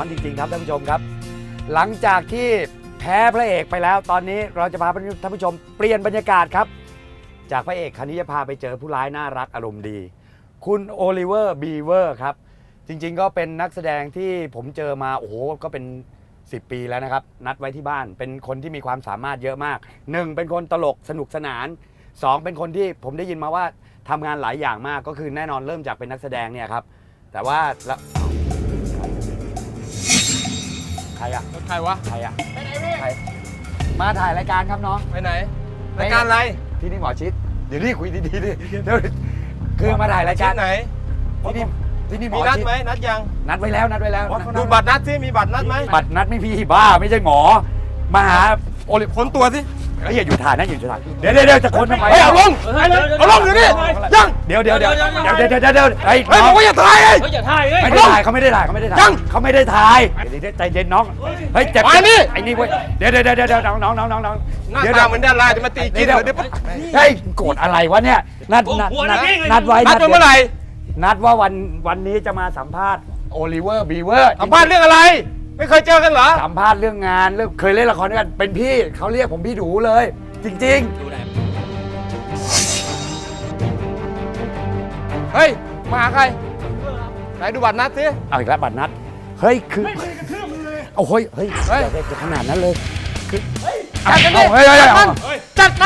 อนจริงๆครับท่านผู้ชมครับหลังจากที่แพ้พระเอกไปแล้วตอนนี้เราจะพาท่านผู้ชมเปลี่ยนบรรยากาศครับจากพระเอกคราวนี้จะพาไปเจอผู้ร้ายน่ารักอารมณ์ดีคุณโอลิเวอร์บีเวอร์ครับจริงๆก็เป็นนักแสดงที่ผมเจอมาโอ้โหก็เป็น10 ปีแล้วนะครับนัดไว้ที่บ้านเป็นคนที่มีความสามารถเยอะมาก1เป็นคนตลกสนุกสนาน2เป็นคนที่ผมได้ยินมาว่าทำงานหลายอย่างมากก็คือแน่นอนเริ่มจากเป็นนักแสดงเนี่ยครับแต่ว่าแล้วใครอะใครวะใครอะใครมาถ่ายรายการครับน้องไปไหนรายการอะไรที่นี่หมอชิดเดี๋ยวนี่คุยดีๆดิเดี๋ยวคือมาถ่ายรายการไหนที่นี่หมมีอนัดชิดไหมนัดยังนัดไว้แล้วดูบัตรนัดสิมีบัตรนัดไหมบัตรนัดไม่พี่บ้าไม่ใช่หมอมาหาโอลิค้นตัวสิเฮ้ยอย่าอยู่ถ่ายนะอย่าอยู่ถ่ายเดี๋ยวจะคนทำไมเฮ้ยเอาลงเอาลงอยู่นี่ยังเดี๋ยวไอ้เฮ้ยบอกว่าอย่าถ่ายไอ้อย่าถ่ายเลยไม่ได้ถ่ายเขาไม่ได้ถ่ายเขาไม่ได้ถ่ายเขาไม่ได้ถ่ายใจเย็นน้องเฮ้ยเจ็บไอ้นี่เว้ยเดี๋ยวน้องหน้าตาเหมือนดาราจะมาตีกินเหรอเดี๋ยวเฮ้ยโกรธอะไรวะเนี่ยนัดไว้นัดเมื่อไหร่นัดว่าวันนี้จะมาสัมภาษณ์โอลิเวอร์บีเวอร์สัมภาษณ์เรื่องอะไร ไม่เคยเจอกันเหรอสัมภาษณ์เรื่องงานเรื่องเคยเล่นละครด้วยกันเป็นพี่เขาเรียกผมพี่ดูเลย จริงเฮ้ยมาหาใครไหนดูบัตรนัดสิๆเอาอีกแล้วบัตรนัดเฮ้ยคือเอาเฮ้ยอย่าขนาดนั้นเลยคือจัดกันดิเฮ้ยจัดมัน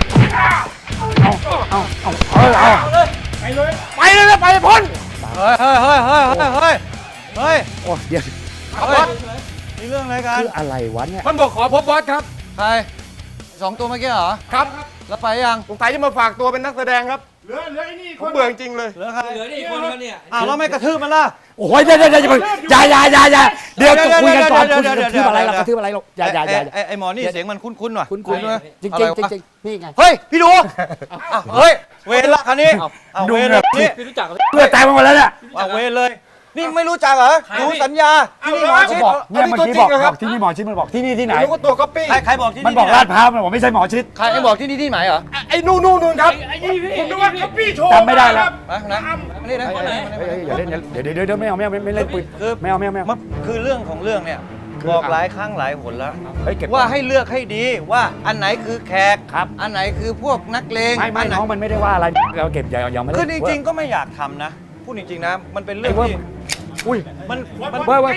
เอาไปเลยนะไปพ้นเฮ้ยโอ้เดี๋ยวมีเรื่องอะไรกันคืออะไรวะเนี่ยมันบอกขอพบบอสครับใคร2 ตัวเมื่อกี้เหรอครับแล้วไปยังสงสัยจะมาฝากตัวเป็นนักแสดงครับเหลือไอ้นี่ผมเบื่อจริงเลยเหลือใครเหลือนี่คนกันเนี่ยอ้าวแล้วไม่กระทืบมันล่ะโอ้ยอย่าเดี๋ยวจะคุยกันก่อนคุณกระทืบอะไรหรอกกระทืบอะไรหรอกอย่าไอหมอนี่เสียงมันคุ้นๆว่ะคุณจริงนี่ไงเฮ้ยพี่ดูเฮ้ยเวรละคันนี้เอาเวรเลยนี่พี่รู้จักเลยเพื่อตายมาหมดแล้วเนี่ยเอาเวรเลยนี่ไม่รู้จักเหรอดูสัญญาที่นี่หมอชิดบอกเนี่ยเมื่อกี้บอกที่นี่หมอชิดมันบอกที่นี่ที่ไหนรู้ว่าตัวก๊อปปี้ใครบอกที่มันนี่บอกลาดพร้าวมันบอกไม่ใช่หมอชิดใครบอกที่นี่ที่ไหนเหรอไอ้นู่นครับผมนึกว่าก๊อปปี้โชว์จำไม่ได้แล้วนะนี่นะอย่าเล่นเดี๋ยวไม่เอาไม่เล่นปืนไม่เอามันคือเรื่องของเรื่องเนี่ยคือบอกหลายครั้งหลายหนแล้วเฮ้ยเก็บว่าให้เลือกให้ดีว่าอันไหนคือแขกครับอันไหนคือพวกนักเลงไม่น้องมันไม่ได้ว่าอะไรเราเก็บอย่าไม่คือจริงๆก็ไม่อยากทำนะพูดจริงๆนะมันเป็นเรื่องที่อุ้ยมันเว้ย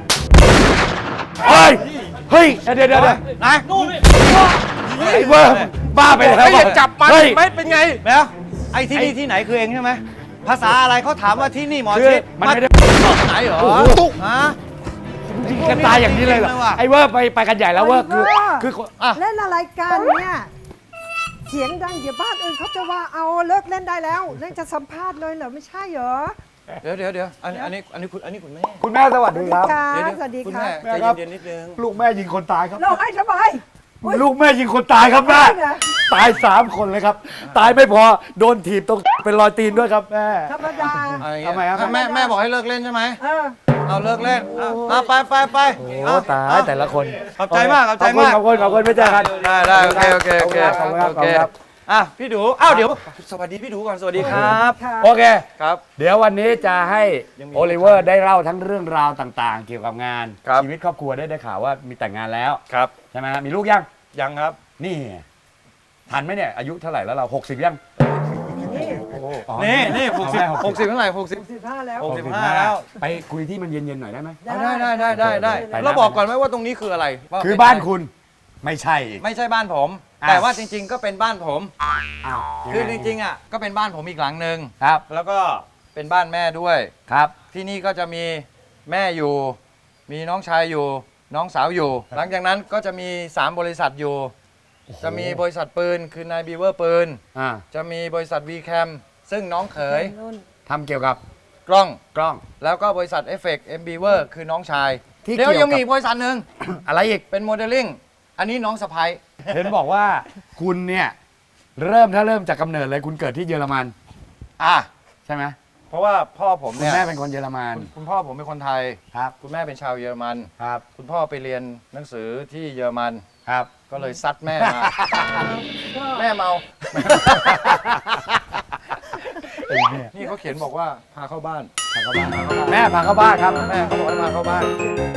เฮ้ยเดี๋ยวนะไอ้เวอร์บ้าไปแล้วไม่อยากจับมันไหมเป็นไงแล้วไอ้ที่นี่ที่ไหนคือเองใช่ไหมภาษาอะไรเขาถามว่าที่นี่หมอคือชิดมันไม่ได้ไหนเหรอตุ๊กฮะยิงกันตายอย่างนี้เลยเหรอไอ้เวอร์ไปกันใหญ่แล้วเวอร์คืออ่ะเล่นอะไรกันเนี่ย เสียงดังเดี๋ยวบ้านอื่นเขาจะว่าเอาเลิกเล่นได้แล้วเล่นจะสัมภาษณ์เลยเหรอไม่ใช่เหรอเดี๋ยวอันนี้คุณแม่คุณแม่สวัสดีครับค่ะเดี๋ยวสวัสดีคุณค่ะแม่ใจเย็นๆนิดนึงลูกแม่ยิงคนตายครับเราให้ทำไมลูกแม่ยิงคนตายครับแม่ตาย3 คนเลยครับ ตายไม่พอโดนถีบตรงเป็นรอยตีนด้วยครับแม่ธรรมดาทำไมครับแม่บอกให้เลิกเล่นใช่ไหมเออเอาเลิกเล่นเอาไปโอ้ตายแต่ละคนขอบใจมากขอบใจมากขอบคุณไม่เจอกันได้โอเคขอบคุณครับอ่ะพี่ดูอ้าวเดี๋ยวสวัสดีพี่ดูก่อนสวัสดีครับค่ะโอเคครับเดี๋ยววันนี้จะให้ยังมีโอลิเวอร์ได้เล่าทั้งเรื่องราวต่างๆ เกี่ยวกับงานครับชีวิตครอบครัวได้ข่าวว่ามีแต่งงานแล้วครับใช่ไหมฮะมีลูกยังยังครับนี่ทันไหมเนี่ยอายุเท่าไหร่แล้วเรา60ยังอ๋อนี่60เท่าไหร่60 15แล้ว 65แล้วไปคุยที่มันเย็นๆหน่อยได้ไหมได้เราบอกก่อนไหมว่าตรงนี้คืออะไรว่คือเป็นบ้านคุณไม่ใช่อีกไม่ใช่บ้านผมอ่ะแต่ว่าจริง ๆ ก็เป็นบ้านผมอ้าวคือจริงๆอ่ะก็เป็นบ้านผมอีกหลังหนึ่งครับแล้วก็เป็นบ้านแม่ด้วยครับที่นี่ก็จะมีแม่อยู่ มีน้องชายอยู่ น้องสาวอยู่ หลังจากนั้นก็จะมี3บริษัทอยู่ จะมีบริษัทปืนคือนายบีเวอร์ปืนอ่าจะมีบริษัท VCam ซึ่งน้องเขยทำเกี่ยวกับกล้องกล้องแล้วก็บริษัท Effect M Beaver คือน้องชายที่เดี๋ยวเกี่ยวกับยังมีอีกบริษัทหนึ่งอะไรอีกเป็นโมเดลลิ่ง อันนี้น้องสะพ้ายเห็นบอกว่าคุณเนี่ยเริ่มจากกำเนิดเลยคุณเกิดที่เยอรมันอ่ะใช่ไหมเพราะว่าพ่อผมคุณเนี่ยแม่เป็นคนเยอรมันคุณพ่อผมเป็นคนไทยครับคุณแม่เป็นชาวเยอรมันครับคุณพ่อไปเรียนหนังสือที่เยอรมันครับก็เลยซัดแม่มา แม่เมาไอ้เนี่ยนี่เขาเขียนบอกว่าพาเข้าบ้านแม่พาเข้าบ้านครับแม่เขาบอกให้มาเข้าบ้าน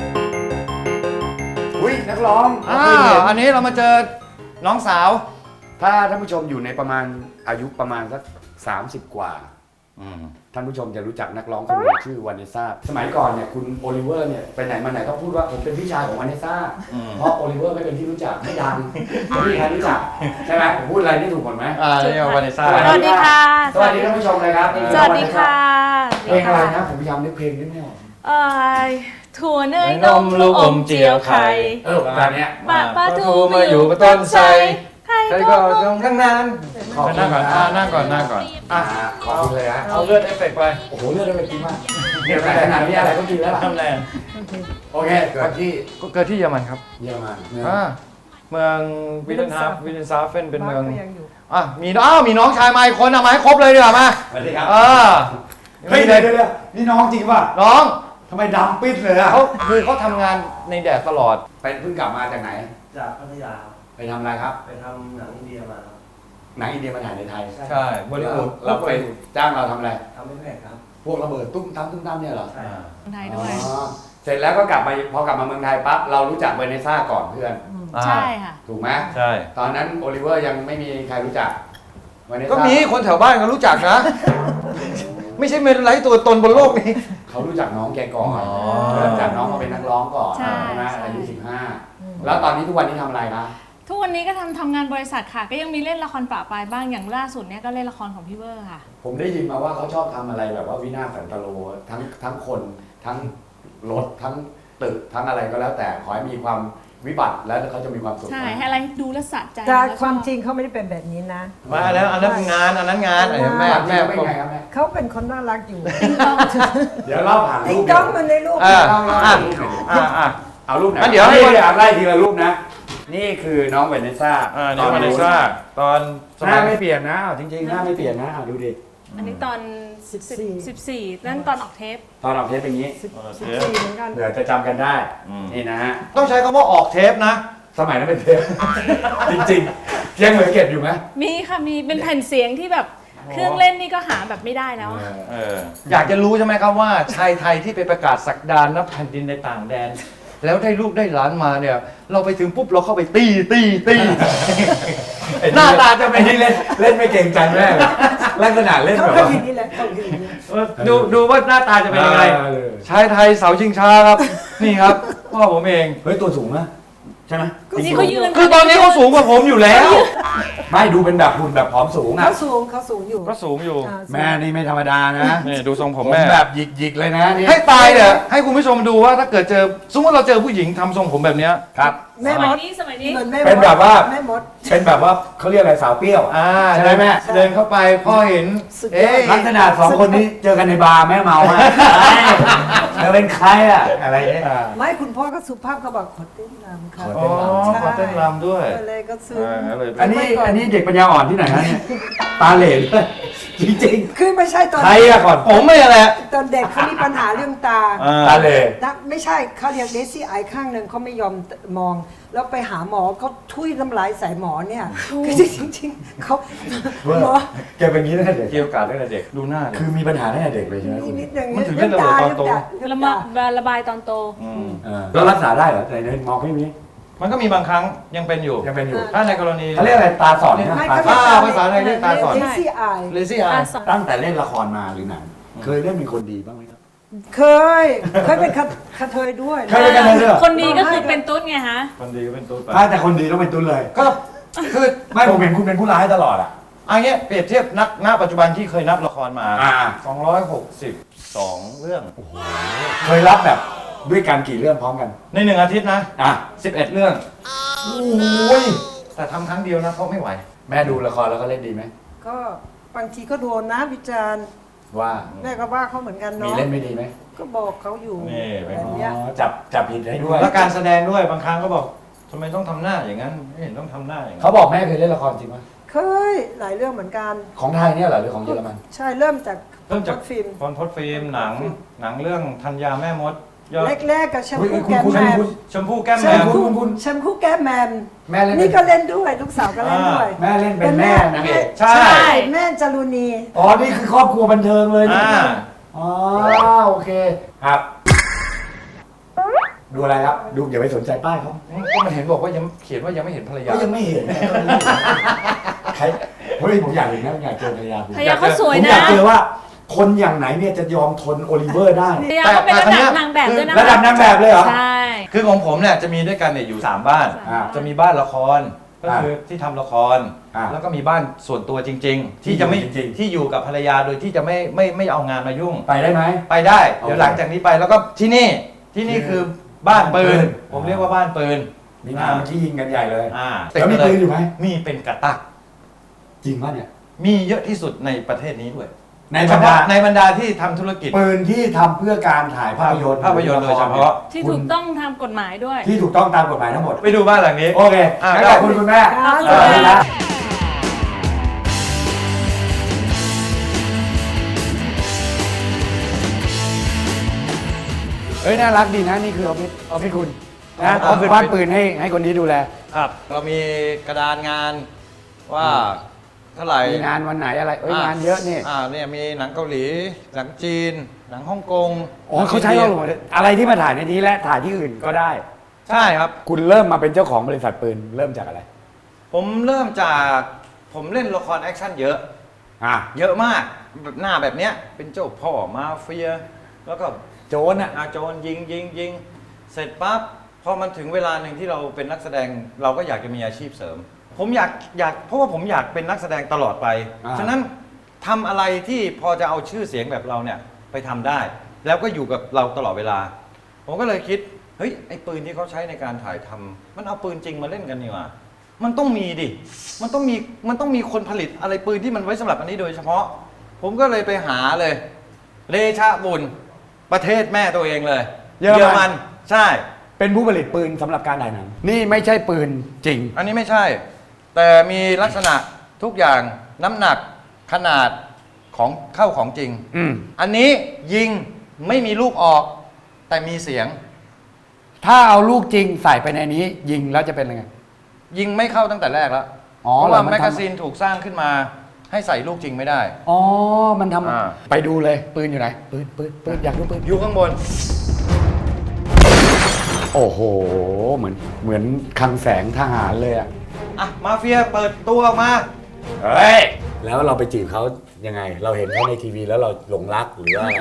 อุ้ยนักร้องอันนี้เรามาเจอน้องสาวถ้าท่านผู้ชมอยู่ในประมาณอายุประมาณสัก30 กว่า ท่านผู้ชมจะรู้จักนักร้องคนหนึงชื่อวานิซ่าสมัยก่อนเนี่ยคุณโอลิเวอร์เนี่ยไปไหนมาไหนก็พูดว่าผมเป็นพี่ชายของวานิซ่าเพราะโอลิเวอร์ไม่เป็นที่รู้จักไม่ดังไม่มีใครรู้จักใช่ไหมผมพูดอะไรนี่ถูกหมดไหมนี่วานิซ่าสวัสวัสดีค่ะสวัสดีท่านผู้ชมเลยครับสวัสดีค่ะเพลงอะไรนะผมพยายามนึกเพลงนิดไม่ออกถั่วเนยนมลูกอมเจียวไข่แบบเนี้ยปลาทูมาอยู่บนต้นไทรไข่ใครก็ก็ต้องทั้งนั้นขอบคุณนั่งก่อนนะนั่งก่อนนั่งก่อนขอบคุณเลยฮะเอาเลือดเอฟเฟกต์ไปโอ้โหเลือดได้ไปกินมากเนี่ยแต่ขนาดนี้อะไรก็กินแล้วล่ะทำแรงโอเคเกิดที่ก็เกิดที่เยอรมันครับเยอรมันเมืองวิลเลนฮาวิลเลนซาเฟนเป็นเมืองบ้าก็ยังอยู่มีน้องชายมาอีกคนเอามาให้ครบเลยดีกว่ามาสวัสดีครับเฮ้ยเดี๋ยวนี่น้องจริงป่ะน้องทำไมดำปิดเลยอ่ะเขาทำงานในแดดตลอดเป็นเพิ่งกลับมาจากไหนจากพัทยาครับไปทำอะไรครับไปทำหนังอินเดียมาครับหนังอินเดียมาถ่ายในไทยใช่บริวูดเราไปจ้างเราทำอะไรทำไม่แพงครับพวกระเบิดตุ้มตั้มตุ้มตั้มเนี่ยเหรอใช่ครับคนไทยด้วยอ๋อเสร็จแล้วก็กลับมาพอกลับมาเมืองไทยปั๊บเรารู้จักเวเนซ่าก่อนเพื่อนใช่ค่ะถูกไหมใช่ตอนนั้นโอลิเวอร์ยังไม่มีใครรู้จักเวเนซ่าก็มีคนแถวบ้านก็รู้จักนะ ไม่ใช่เมนไรตัวตนบนโลกนี้เขารู้จักน้องแกก่อนอ๋อเริ่มจากน้องมาเป็นนักร้องก่อนใช่ไหมใช่อายุ15แล้วตอนนี้ทุกวันนี้ทำอะไรคะทุกวันนี้ก็ทำงานบริษัทค่ะ ก็ยังมีเล่นละครปะปลายบ้างอย่างล่าสุดเนี่ยก็เล่นละครของพี่เวอร์ค่ะผมได้ยินมาว่าเขาชอบทำอะไรแบบว่าวินาศสันตโลทั้งคนทั้งรถทั้งตึกทั้งอะไรก็แล้วแต่ขอให้มีความวิบัติแล้วเขาจะมีความสุขใช่ ให้อะไรดูแลวสะใจแต่แล้วก็ความจริงเขาไม่ได้เป็นแบบนี้นะมาแล้วอันนั้นงานอันนั้นงานไอ้แม่แม่แม่เป็นไงครับแม่เขาเป็นคนน่ารักอยู่เดี๋ยวเล่าผ่านติ๊รูงปต้องมันในรูปเล่าผ่านรูปหน่อยดิเอารูปไหนงั้นเดี๋ยวให้ให้ไล่ทีละรูปนะ นี่คือน้องเวเนซ่านี่วานิซ่าตอนสหมัน้าย ไม่เปลี่ยนนะเอาจริงๆหน้าไม่เปลี่ยนนะเอาดูดิอันนี้ตอน 14นั่นตอนออกเทปตอนออกเทปเป็นอย่างนี้ 14เหมือนกันเผื่อจะจำกันได้นี่นะฮะต้องใช้คำว่าออกเทปนะสมัยนั้นเป็นเทป จริงๆยังเหลือเก็บอยู่ไหมมีค่ะ มีเป็นแผ่นเสียงที่แบบเครื่องเล่นนี่ก็หาแบบไม่ได้แล้วอะอยากจะรู้ใช่ไหมครับว่าชายไทยที่ไปประกาศสักดานนับแผ่นดินในต่างแดน แล้วได้ลูกได้หลานมาเนี่ย เราไปถึงปุ๊บเราเข้าไปตีหน้าตาจะเป็นไอ้นี่เล่นไม่เก่งใจแม่เลยลักษณะเล่นเขาแบบก็ว่าอย่างนี้แหละเขาอย่างนี้ดูว่าหน้าตาจะเป็นยังไง ชายไทยเสาชิงช้าครับ นี่ครับพ่อผมเองเฮ้ยตัวสูงนะใช่ไหมนี่เขายืนคือตอนนี้เขาสูงกว่าผมอยู่แล้วไม่ดูเป็นแบบหุ่นแบบผอมสูงอ่ะเขาสูงอยู่ก็สูงอยู่อ่าแม่นี่ไม่ธรรมดานะนี่ดูทรงผมผมแม่แบบหยิกๆเลยนะนี่ให้ตายเนี่ยให้คุณผู้ชมดูว่าถ้าเกิดเจอสมมติเราเจอผู้หญิงทำทรงผมแบบเนี้ยครับแม่สมมัยดนี้สมัยนี้เหมือนแม่เป็นแบบว่าแม่มดเป็นแบบว่าเขาเรียกอะไรสาวเปรี้ยว ใช่ไหมแม่เดินเข้าไปพ่อเห็นสุดยอดเอ๊ะลักษณะสองคนนี้เจอกันในบาร์แม่เมาอะเธอเป็นใครอะอะไรเนี่ยไม่คุณพ่อก็สุภาพเขาบอกขอเต้นรำค่ะอ๋อขอเต้นรำด้วยก็เลยก็ซื้อก็เลยอันนี้เด็กปัญญาอ่อนที่ไหนฮะเนี่ยตาเหล่ด้วยจริงคือไม่ใช่ตอนๆใครอะก่อนผมไม่แหละตอนเด็กเขามีปัญหาเรื่องตาตาเหล่ไม่ใช่เขาเรียกเลซี่ไอข้างหนึ่งเขาไม่ยอมมอง แล้วไปหาหมอเขาทุยน้ำลายใส่หมอเนี่ยคือจริงๆเขาหมอแกเป็นอย่างนี้ตั้งแต่เด็กเกี่ยวกับตั้งแต่เด็กดูหน้าดิคือมีปัญหาตั้งแต่เด็กเลยใช่ไหมคุณนิดหนึ่งมันถึงเล่นระเบิดตอนโตระบายตอนโตแล้วรักษาได้เหรอในมองไม่มีมันก็มีบางครั้งยังเป็นอยู่ยังเป็นอยู่ถ้าในกรณีเขาเรียกอะไรตาสอดนะไม่ตาเขาสอดเรียกภาษาไทยเรียกตาสอดเลซี่ไอเลซี่ไอตั้งแต่เล่นละครมาหรือหนังเคยเล่นเป็นคนดีบ้างไหมครับเคยเป็นกระเทยด้วยเคยเป็นกระเทยด้วยเหรอคนนี้ก็คือเป็นตุ๊ดไงฮะคนดีก็เป็นตัวไปถ้าแต่คนดีต้องเป็นตุ้นเลยก็คือไม่ผมเห็นคุณเป็นผู้ร้ายตลอดอ่ะอันเนี้ยเปรียบเทียบณปัจจุบันที่เคยนับละครมา 262 เรื่องเคยรับแบบด้วยกันกี่เรื่องพร้อมกันใน1 อาทิตย์นะอ่ะ 11 เรื่องโอ้ยแต่ทำครั้งเดียวนะเพราะไม่ไหวแม่ดูละครแล้วก็เล่นดีไหมก็บางทีก็โดนนะวิจารณ์ว่าแม่ก็ว่าเขาเหมือนกันมีเนาะเล่นไม่ดีไหมก็บอกเขาอยู่นี่เป็นแบบเนี้ยอ๋อจับผิดให้ด้วยแล้วการแสดงด้วยบางครั้งก็บอกทำไมต้องทำหน้าอย่างนั้นไม่เห็นต้องทำหน้าอย่างนั้นเขาบอกแม่เคยเล่นละครจริงไหมเคยหลายเรื่องเหมือนกันของไทยเนี่ยเหรอหรือของเยอรมันใช่เริ่มจากเริ่มจากฟิล์มพรพจน์ฟิล์มหนังเรื่องธัญญาแม่มดยอดแรกๆกับแชมอุ๊ยพูคุณแก้มคุณแมอันนี้มคุณชมพู่แก้มแชแมมวพูคุณแชมพูแก้มแมมแม่เล่นนี่ก็เล่นด้วยลูกสาวก็เล่นด้วยแม่เล่นเป็นแม่นางเอกใช่แม่จารุณีอ๋อนี่คือครอบครัวบันเทิงเลยนี่แอ๋อโอเคครับดูอะไรครับดูอย่าไปสนใจป้ายเขาก็มันเห็นบอกว่ายังเขียนว่ายังไม่เห็นภรรยาก็ยังไม่เห็นนะใครเฮ้ยผมอยากเห็นนะผมอยากเจอภรรยาผมภรรยาเขาสวยผมนะอยากเจอว่าคนอย่างไหนเนี่ยจะยอมทนโอลิเวอร์ได้ภรรยาเขาเป็นระดับนางแบบด้วยนะระดับนางแบบเลยเหรอใช่คือของผมเนี่ยจะมีด้วยกันเนี่ยอยู่ 3 บ้านอ่าจะมีบ้านละครก็คือที่ทำละครอ่าแล้วก็มีบ้านส่วนตัวจริง ๆ ที่จะไม่จริงๆที่อยู่กับภรรยาโดยที่จะไม่เอางานมายุ่งไปได้ไหมไปได้โอเคเดี๋ยวหลังจากนี้ไปแล้วก็ที่นี่คือบ้านปืนบ้านปืนผมเรียกว่าบ้านปืนมีงานเมื่อกี้ยิงกันใหญ่เลยติดแล้วมีมาเลปืนอยู่ไหมมีเป็นกระตักจริงป่ะเนี่ยมีเยอะที่สุดในประเทศนี้ด้วยในบรรดาในบรรดาที่ทำธุรกิจปืนที่ทำเพื่อการถ่ายภาพยนตร์ภาพยนตร์โดยเฉพาะที่ถูกต้องทำกฎหมายด้วยที่ถูกต้องตามกฎหมายทั้งหมดไปดูบ้านหลังนี้โอเคอ่างั้นขอบคุณคุณแม่ครับสวัสดีครับเอ้ยน่ารักดีนะนี่คือออฟฟิศคุณนะก็คือบ้านปืนให้คนนี้ดูแลครับเรามีกระดานงานว่าเท่าไหร่มีงานวันไหนอะไรเอ้ยงานเยอะนี่เนี่ยมีหนังเกาหลีหนังจีน หนังฮ่องกงอ๋อเขาใช้เราหมดเลยอะไรที่มาถ่ายในนี้และถ่ายที่อื่นก็ได้ใช่ครับคุณเริ่มมาเป็นเจ้าของบริษัทปืนเริ่มจากอะไรผมเริ่มจากผมเล่นละครแอคชั่นเยอะอ่ะเยอะมากแบบหน้าแบบเนี้ยเป็นเจ้าพ่อมาเฟีย แล้วก็โจรอ่ะโจรยิงเสร็จปั๊บพอมันถึงเวลาหนึ่งที่เราเป็นนักแสดงเราก็อยากจะมีอาชีพเสริม ผมอยากเพราะว่าผมอยากเป็นนักแสดงตลอดไป ฉะนั้นทำอะไรที่พอจะเอาชื่อเสียงแบบเราเนี่ยไปทำได้ แล้วก็อยู่กับเราตลอดเวลา ผมก็เลยคิดเฮ้ยไอ้ปืนที่เขาใช้ในการถ่ายทำมันเอาปืนจริงมาเล่นกันนี่หว่ามันต้องมีดิมันต้องมีคนผลิตอะไรปืนที่มันไว้สำหรับอันนี้โดยเฉพาะ ผมก็เลยไปหาเลยเดชะบุญประเทศแม่ตัวเองเลยเยอรมันใช่เป็นผู้ผลิตปืนสำหรับการถ่ายหนังนี่ไม่ใช่ปืนจริงอันนี้ไม่ใช่ แต่มีลักษณะทุกอย่างน้ำหนักขนาดของเข้าของจริงอืมอันนี้ยิงไม่มีลูกออกแต่มีเสียงถ้าเอาลูกจริงใส่ไปในนี้ ยิงแล้วจะเป็นยังไงยิงไม่เข้าตั้งแต่แรกแล้วอ๋อเพราะเหรอว่ามันทำแมกกาซีนถูกสร้างขึ้นมาให้ใส่ลูกจริงไม่ได้อ๋อมันทอ่าำไปดูเลยปืนอยู่ไหนปืนอยากดูปืนอยู่ข้างบนโอ้โหเหมือนคลังแสงทหารเลยอ่ะอ่ะมาเฟียเปิดตัวออกมาเฮ้ยแล้วเราไปจีบเขายังไง เราเห็นเขาในทีวีแล้วเราหลงรักหรือว่าอะไร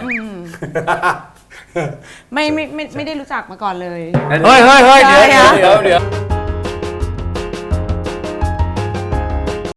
ไม่ได้รู้จักมาก่อนเลยเฮ้ยเดี๋ยว